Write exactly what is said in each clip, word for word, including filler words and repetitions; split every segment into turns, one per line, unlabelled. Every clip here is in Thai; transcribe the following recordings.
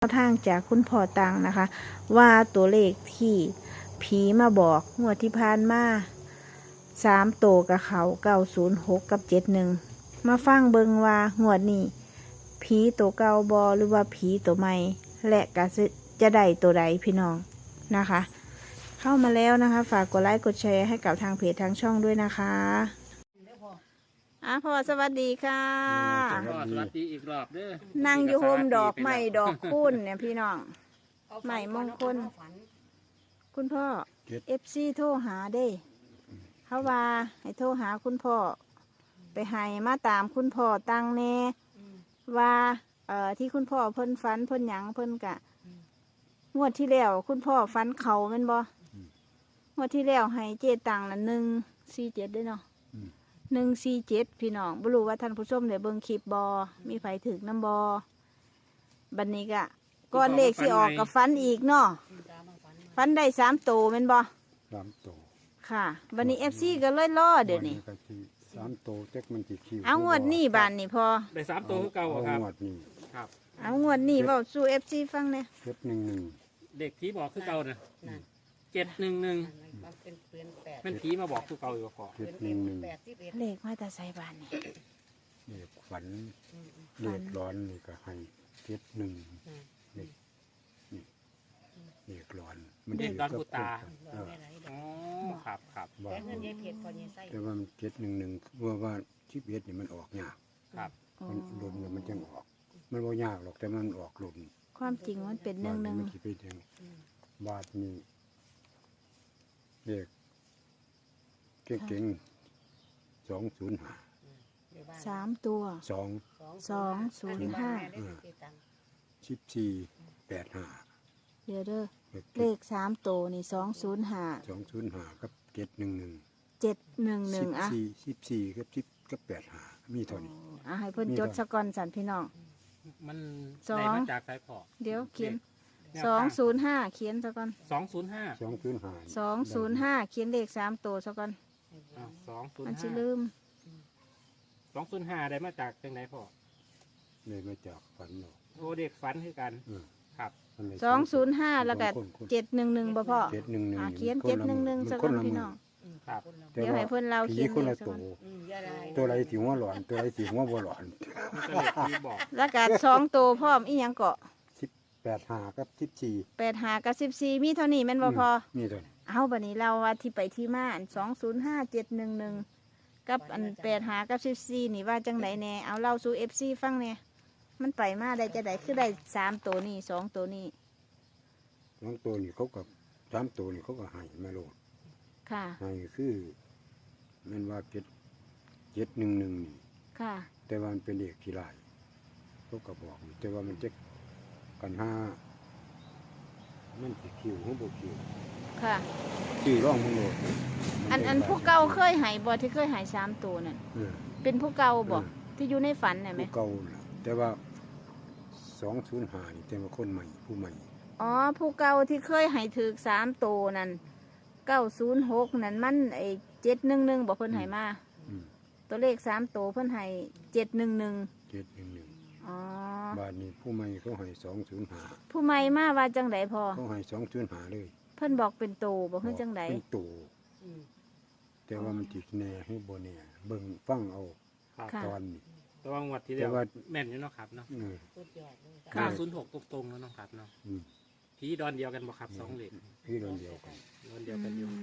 ทางจากคุณพ่อตังนะคะว่าตัวเลขที่ผีมาบอกงวดที่ผ่านมาสามโตกับเขาเก้าศูนย์หกกับเจ็ดหนึ่งมาฟังเบิงว่างวดนี้ผีตัวเก่าบอหรือว่าผีตัวใหม่และก็จะได้ตัวใดพี่น้องนะคะ เข้ามาแล้วนะคะ ฝากกดไลค์กดแชร์ให้กับทางเพจทางช่องด้วยนะคะอ่ะพ่อสวัสดีค่ะ
พ่อสวัสดีอีกรอบเด้อ
นั่งอยู่โฮมดอกไม้ดอกคุ้นเนี่ยพี่น้องใหม่มงคลคุณพ่อเอฟซีโทรหาเด้เขาว่าให้โทรหาคุณพ่อไปให้มาตามคุณพ่อตั้งแน่ว่าเอ่อที่คุณพ่อเพิ่นฝันเพิ่นหยังเพิ่นกะงวดที่แล้วคุณพ่อฝันเขาแม่นบ่งวดที่แล้วให้เจตังละหนึ่งสี่เจ็ดด้วยเนาะหนึ่งสี่เจ็ดพี่น้องบ่รู้ว่าท่านผู้ชมได้เบิ่งคลิปบอมีไผถึกน้ำบอบัดนี้กะก่อนเลขสิออกกับฟันอีกเนาะฟันได้สามโตแม่นบอ
สามโต
ค่ะบัดนี้เอฟซีก็เลยล่อเดี๋ยวนี้
สามโตเจ๊กมันจีคิว
เอางวดนี้บานนี่พอ
ได้สามตัวคือเก่าครับ
งวดนี้
ครับ
เอางวดนี้เว้าสู่เอฟซีฟังเนี่ย
เจ็ดหนึ่งหนึ่ง
เด็กผีบอกคือเก่านะเจ็ดหนึ่งหนึ่งมันผีมาบอกคือเก่าอยู่ก่อน
เจ็ดหนึ่งหนึ่ง
เลขมาแต่ใส่บานนี่
เด็กฝันเด็กร้อนนี่ก็ให้เจ็ดหนึ่งนี่นี่เด็กร้อน
มันเด็กร้อนผู้ตาอ๋อครับครับ
แต่ว่ามันเจ็ดหนึ่งหนึ่งว่าว่าชิปเอ็ดนี่มันออกยาก
ครับ
มันหล่นมันจังออกมันว่ายากหรอกแต่มันออกหล่น
ความจริงมันเป็นหนึ่งหนึ่ง
บาทนี้เด็กเก่งๆสองศูนย์ห้า
สามตัว
สอง
สองศูนย์ห้า
สิบสี่แปดห้า
เดี๋ยวเด้อเลขสามตัวนี่สองศูนย์ห้า
สองศูนย์ห้ากับเจ็ดหนึ่งหนึ่ง
เจ็ดหนึ่งหนึ่งอ่ะ
สี่สิบสี่กับสิบกับแปดห้ามีเท่านี้
อ่ะให้เพิ่นจดสกอนสันพี่น้อง
มันได้มาจากสายพอ
เดี๋ยวเขียนสองศูนย์ห้าเขียนสกอน
สองศูนย์ห้า
สองศูนย์ห้า
สองศูนย์ห้าเขียนเลขสามตัวสกอน
สองศูนย์
มัน
ห้า
จะลืม
สองศูนย์ห้าได้มาจากจังไหนพ่อ
เลยมาจากฝันเนาะ
โอ้เด็กฝันคือกันครับ
สองศูนย์ห้าแล้วก็เจ็ดหนึ่งหนึ่งบ่พ่อ
เจ็ดหนึ่งหนึ่ง
เขียนเจ็ดหนึ่งหนึ่งสกอนพี่น้อง
ครับ
เดี๋ยวให้เพิ่นเราเขียน
คนละตัวตัวไรสีหัวหลอนตัวไรสีหัวบ่หลอน
แล้วก็สองตัวพร้อมอีหยังเกาะ
สิบแปดห้ากับสิบสี่
แปดห้ากับสิบสี่มีเท่านี้แม่นบ่พอ
มีเท่านี้
เอาบัดนี้เราว่าที่ไปที่มาอันสองศูนย์ห้าเจ็ดหนึ่งหนึ่งกับอันแปดห้ากับสิบสี่นี่ว่าจังไหนแน่เอาเล่าสู่เอฟซีฟังเนี่ยมันไปมาได้จะได้คือได้สามตัวนี่สองตัวนี่
สองตัวนี่เขากับสามตัวนี่เขาก็ให้มาโลด
ค่ะ
ให้คือมันว่าเจ็ดเจ็ดหนึ่งหนึ่งนี่
ค่ะ
แต่ว่ามันเป็นเด็กที่ไรเขาก็บอกแต่ว่ามันจะกันห้ามันสิคิวหัวโบคิว
ค่ะ
ชื่อร่องมึงโลด
อันอันผู้เก่าเคยหายบ่ที่เคยหายสามตัวนั่นเป็นผู้เก่าบ่ที่อยู่ในฝันน่ะไหม
ผู้เก่าแต่ว่าสองศูนย์ห้านี่แต่ว่าคนใหม่ผู้ใหม่
อ๋อผู้เก่าที่เคยหายถือสามตัวนั่นเก้าศูนย์หกนั่นมันไอเจ็ดหนึ่งหนึ่งบอกเพิ่นหายมาตัวเลขสามตัวเพิ่นหายเจ็ดหนึ่งหนึ่ง
เจ็ดหนึ่งหนึ่ง
อ๋
อบาทนี้ผู้ใหม่เขาหายสองศูนย์ห้า
ผู้ใหม่มาว่าจังไดพอ
เขาหายสองศูนย์ห้าเลย
เพิ่นบอกเป็นโตบอกเพิ่นจังได
เป็นโตแต่ว่ามันติดแน่ให้โบแน่เบิ่งฟังเอาตอนนี้
แต่ว่างวดที่เดียวแม่นอยู่เนาะครับเนาะเก้าศูนย์หกตรงๆแล้วเนาะครับเนาะผีดอนเดียวกันบ่ครับสองเหล็ก
ผีดอนเดียวกัน
ดอนเดียวกันอยู่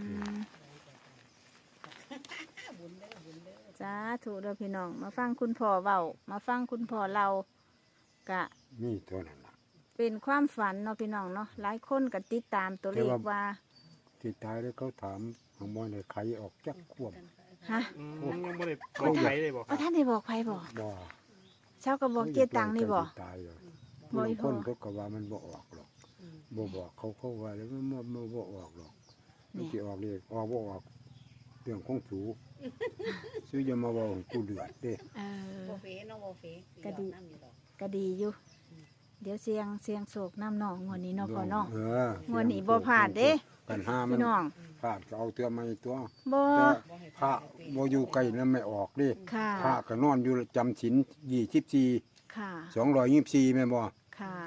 จ้าถูกเด้อพี่น้องมาฟังคุณพ่อเว้ามาฟังคุณพ่อเรากะ
นี่เท่านั้นล่ะ
เป็นความฝันเนาะพี่น้องเนาะหลายคนก็ติดตามตัวเลขว่า
ติดตายแล้วเขาถามหางมอยเลยใครออกจากควบ
ฮะ
ยังไม่ได้บอกใครเลยบอก
ท่านได้บอกใครบอก
บ่
เช้าก็บอกเจตังนี่บอก
ตายเลยบางคนเขาก็ว่ามันบ่ออกหรอกบ่บอกเขาเขาว่าแล้วมันบ่บ่ออกหรอกมันจะออกเลยออกบ่ออกเรื่องของสูซื้อจะมาบอกกูเดือดเด้
เออก็ดีก็ดีอยู่เดี๋ยวเสียงเสียงโศกน้ำหนองงวดนี้เนาะพ่อเนาะงวดนี้บ่พลาดเด้
กันห้ามันพลาดเอาเตือมาตัว
บ่
พระบ่อยู่ไกลแล้วไม่ออกเด้พระก็นอนอยู่จำศีลยี่สิบสี่
ค่ะ
สองร้อยยี่สิบสี่แม่บ่
ค่ะ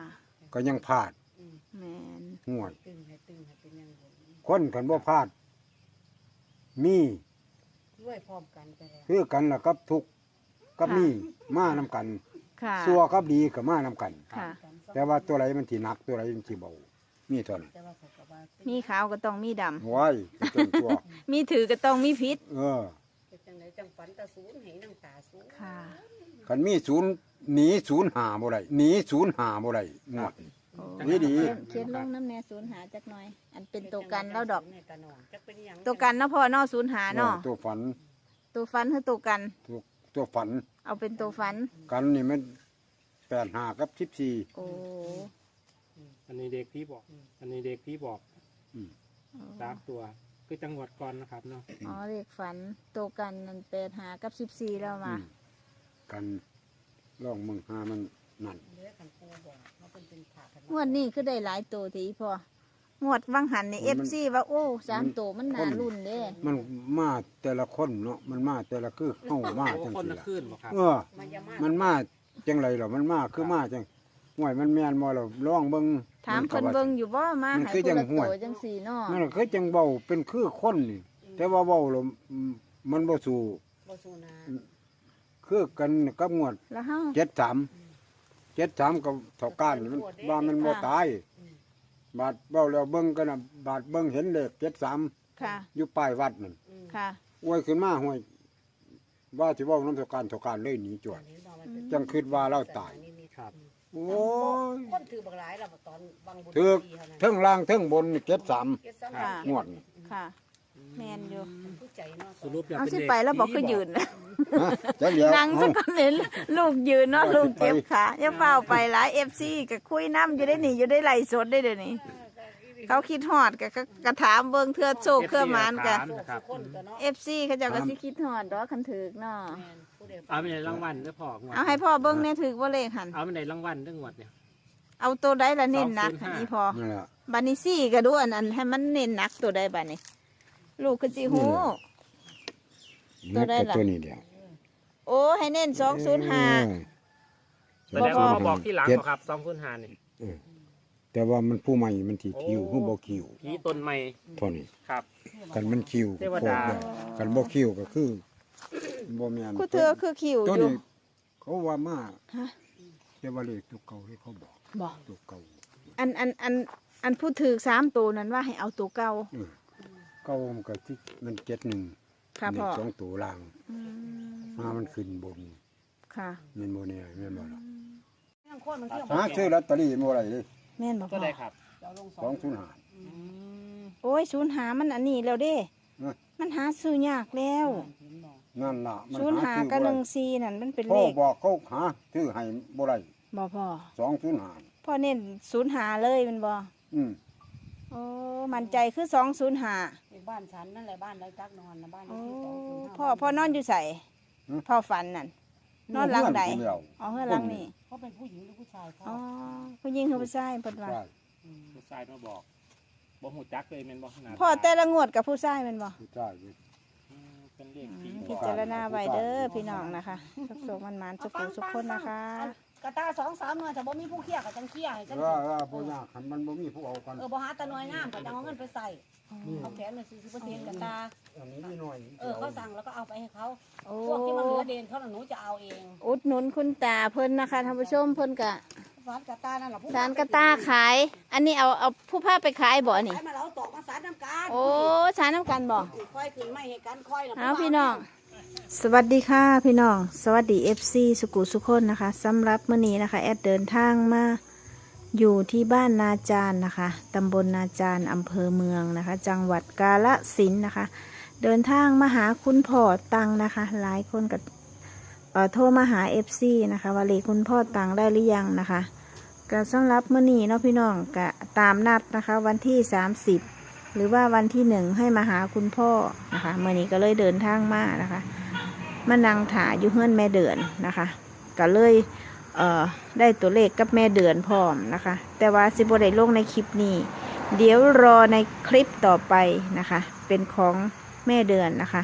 ก็ยังพลาด
แม่น
ห่วย
ตึงให้ตึงให้เป็นยังบน
คนกันบ่พลาด มี
ด้วยพร้อมกันไปแล้ว
คือกันล่ะกับทุกข์กับมีมานํกัน
ค่ะ
ซัวกับดีก็มานํกัน
ค่ะ
แต่ว่าตัวไหนมันสิหนักตัวไหนมันสิเบามีเท่านั้น
แต่ว่าเขาก็ว่า
มีขาวก็ต้องมีดำ
โว้ยจนตัว
มีถือก็ต้องมีพิษ
เออ
เป็นจังไดจังฝันตาศูนย์ให้น้ำตาศูนย์
ค่ะ
คันมีศูนย์หนีศูนย์หาบ่ได้หนีศูนย์หาบ่ได้งวด
โอ้
ดีดี
เขียนเขียนลงน้ำแน่ศูนย์หาจักหน่อย อันเป็นตัวกันแล้วดอก
ในตาหนองจักเป็นหยัง
ตัวกันเนาะพ่อเนาะศูนย์หาเนาะ
เออตัวฝัน
ตัวฟันคือตัวกัน
ตัวตัวฝัน
เอาเป็นตัวฟัน
กันนี่มันแปดห้ากับสิบสี่
โอ้
อันนี้เด็กพี่บอก อันนี้เด็กพี่บอก
อืม
สามตัวคือจังหวัดก่อนนะครับเนาะ
อ๋อเลขฝันตัวกันนั่นแปดหากับสิบสี่แล้วมา
อืมกันล่องมึงหามันนั่น
เหลือขันปูบอกว่าเป็นเป็นผ่ากัน
งวดนี้คือได้หลายตัวทีพองวดวังหันในเอฟซีว่าโอ้สามตัวมันน่ารุ่นเด้
มันมาแต่ละคนเนาะมันมาแต่ละคือเข้ามา
โอ้
จัง
คน
ซี่
ละ
ล่ะ
ขึ้นบ่ครับ
เออ
มันจะมา
มันมาจังไรหรอมันมาคือมาจังห่วยมันแม่นบ่เราล่องเบิ่ง
ถามเพิ่นเบิ่งอยู่บ่มา
มัน
ให้
คือ
คน
จัง
ละ
ห่วย
ตัวจังสี่เนาะ
นั่นคือจังเบาเป็นคือคนนี่แต่ว่าเบาแล้วมันบ่สู้
บ่สูนา
คือกันกับงวด
แล้วเฮา
เจ็ดสามเจ็ดสามกับเท่าก้านนี่มันว่ามันบ่ตายบาดเบาแล้วเบิ่งกันน่ะบาดเบิ่งเห็นเลขเจ็ดสาม
ค่ะ
อยู่ป้ายวัดนั่น
ค่ะ
อวยขึ้นมาห่วยว่าสิเว้านำเท่าก้านเท่าก้านเลยหนีจวดจังคิดว่าเราตาย
ครับ
โอ้ย
คนถือบักหลายแล้วตอนบางบุญ
ถือ
ปีเท่านั้น
เทั้งล่างเทั้งบนเจ็ดสาม
เจ็ดสาม
ค่ะ
งวดนี่
ค่ะ แม่นอยู่
ผู้ใจเนาะ
สรุปแล้ว
เอา
เป็น
สิ
เด็ก
ไปแล้วบอกคือ
ผี
ยืน
ฮะจักเดียว
นั่งสั
เอ้า
กคนเห็นลูกยืนเนาะลูกเจ็บขาอย่าเฝ้าไปหลาย เอฟ ซี ก็คุยน้ำอยู่ได้นี่อยู่ได้ไล่สดได้เดี๋ยวนี้ เขาคิดฮอดก็ก็ก็ถามเบิ่งเทื่อโชคเทื่อหมานก็
ถามนะครับ
คนก็เนาะ
เอฟ ซี เขาเจ้าก็สิคิดฮอดดอกคันถึกเนาะ
แม่นผู้ใด
เอาไปในรางวัลเด้อพ่องวด
เอาให้พ่อเบิ่งแน่ถึกบ่เลขหัน
เอาไปในรางวัลเด้องวดเนี่ย
เอาตัวใดละเน้นหนัก
สองศูนย์ห้า
อันนี้พอ
นั่นแหละ
บัดนี้ซี่ก็ดูอันนั้นให้มันเน้นหนักตัวใดบัดนี้ ลูกคือสิฮู้ ตัวใดล่ะ
ตัวนี้เดียว
โอ้ให้เน้นสองศูนย์ห้า
แสดงว่ามาบอกที่หลังเหรอครับสองคุณหานี่
เออแต่ว่ามันผู้ใหม่มันที่คิว
โอ้
ผู้บ่คิว
ผีต้นไม้
เท่านี้
ครับ
กันมันคิว
เทวดา
โคตรได้กันบ่คิวก็คือบ่แม่น
คือเธอคือคิว
ตัว
อยู่
นี้เขาว่ามา
ฮะ
แต่ว่าเลขตัวเก่าที่เขาบอก
บอก
ตัวเก่า
อันอันอันอันพูดถือสามตัวนั้นว่าให้เอาตัวเก่า
เออเก่ามันก็ที่มันเจ็ดหนึ่ง
ค่ะพ่อ
สองตัวล่าง
อืม
มามันขึ้นบน
ค่ะ
แม่นบ่แน่แม่นบ่ล่ะ
ยังคนมันเที่ยว
หาซื้อลอตเตอรี่บ่ได้เลย
แม่นบอก
ก็
พ่อ
ได้ครับ
เจ้าลงส
ส
อ
อง งศูนย์ห้า
โอ้ยศูนย์หามันอันนี้แล้วเด้
นะ
มันหาซื้อยากแล้ว
นั่นล่ะมัน
ศูนย์หา
ซื้อ
กับ
บ่
ห
ได้
นึ่งซีนั่นมันเป็น
พ่
เล
อ
ข
บอกเขาหาซื้อให้บ่ได้
บ่พ่อ
สองศูนย์ห้า
พ่อเน้นศูนย์หาเลยแมันบ่
อืม
โอ้มันใจคือสองศูนย์หา
บ้านฉันนั่นแหละบ้านไรจักนอนนะบ้าน
โอ้
ที่สองศูนย์ห้า
พ่อพ่อนอนอยู่ใส่พ่อฝันนั่นนอนหลังใด
เพื่อนผู้เดียว
อ๋อเฮือนหลังนี่
เขาเป็นผู้หญิงหรือผู้ชายพ่อ
อ๋อผู้หญิงคือผู้ชายเพิ่นว่า
ใช่
ผู้ชายมาบอกบ่หูจักเลยแม่นบ่ขนาด
พ่อแต่ละงวดกับผู้ชายแม่นบ่
ใช่
อืมเป็นเลขผี
พิจารณาไว้เด้อพี่น้องนะคะสุขสมันมันสุขหูสุขคนนะคะ
กระตาสองสามหน่วยแต่บ่มีผู้เคี่ยกับจังเคี่ยให้จัง
เออเออบ่ยากคันมันบ่มีผู้เอากัน
เออบ่หาตะหน่วยงามก็จังเอาเงินไปใส่เอาแขนหน่อยสี่สิบเปอร์เซ็นต์กระตา
อันนี้มีหน่อย
เออเขาสั่งแล้วก็เอาไปให้เขา
โอ้
พวกที่มันเหลือเดนเขาน่ะหนูจะเอาเอง
อุดหนุนคุณตาเพิ่นนะคะท่านผู้ชมเพิ่นกะ
สารกระตานั่นแหละผู้
สารกระตาขาย อันนี้เอาเอาผู้พาไปขายบ่นี่
ขายมาแล้วตอกมาสารน้ำกัน
โอ้สารน้ำกันบ่
ค่อยขึ้นไม่ให้กันค่อยนะ
เอาพี่น้อง สวัสดีค่ะพี่น้อง สวัสดี เอฟ ซี สุกุสุคนนะคะสำหรับมื้อนี้นะคะแอดเดินทางมาอยู่ที่บ้านนาจารนะคะตำบลนาจารอำเภอเมืองนะคะ จังหวัดกาฬสินธุ์นะคะ เดินทางมาหาคุณพ่อตังนะคะ หลายคนก็เอ่อโทรมาหา เอฟ ซี นะคะว่าเลขคุณพ่อตังได้หรือยังนะคะก็สำหรับมื้อนี้เนาะพี่น้องก็ตามนัดนะคะวันที่สามสิบหรือว่าวันที่หนึ่งให้มาหาคุณพ่อนะคะมื้อนี้ก็เลยเดินทางมานะคะมานั่งถาอยู่เฮือนแม่เดือนนะคะก็เลยเอ่อได้ตัวเลขกับแม่เดือนพร้อมนะคะแต่ว่าสิบ่ได้ลงในคลิปนี้ เดี๋ยวรอในคลิปต่อไปนะคะเป็นของแม่เดือนนะคะ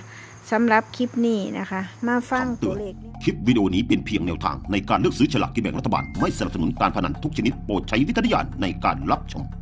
สำหรับคลิปนี้นะคะ มาฟังตัวเลข
คลิปวิดีโอนี้เป็นเพียงแนวทางในการเลือกซื้อฉลากกินแบ่งรัฐบาลไม่สนับสนุนการพนันทุกชนิดโปรดใช้วิจารณญาณในการรับชม